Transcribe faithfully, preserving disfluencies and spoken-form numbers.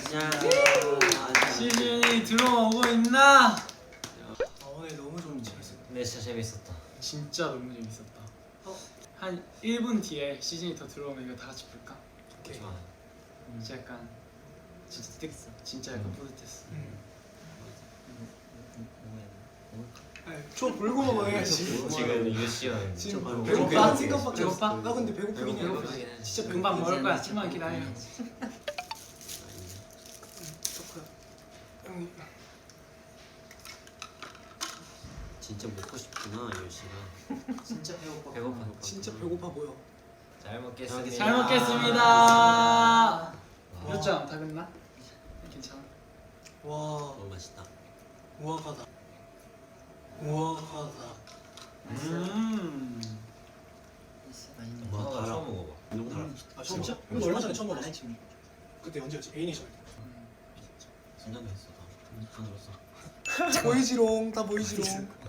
시즌이 들어오고 있나? 아, 오늘 너무 좀 재밌었어. 네, 진짜 재밌었다. 진짜 너무 재밌었다. 어? 한 일 분 뒤에 시즌이 더 들어오면 이거 다 같이 볼까? 오케이. 좋아. 진짜 약간 진짜 뜨 진짜 약간 뿌듯했어. 음. 음. 저 불고 먹어야지. 지금 유시연 지금 배고파? 배고파 생각밖에 배고파? 없어. 나 근데 배고프긴 해. 배고프지? 진짜 금방 먹을 거야. 좀만 기다려. 초코야. 형님. 진짜 먹고 싶구나 유시가. 진짜 배고파. 배고파. 진짜 배고파 보여. 잘 먹겠습니다. 잘 먹겠습니다. 몇 점? 다 끝나? 괜찮아. 와, 너무 맛있다. 우아하다. 우아하다. 음. 와, 어, 달아. 처음 먹어봐. 너무 달아. 아 진짜? 음. 이거 얼마 전에 처음 먹었어. 그때 언제였지? 에이니션. 진짜 맛있어. 다. 다 들었어. 보이지롱, 다 보이지롱.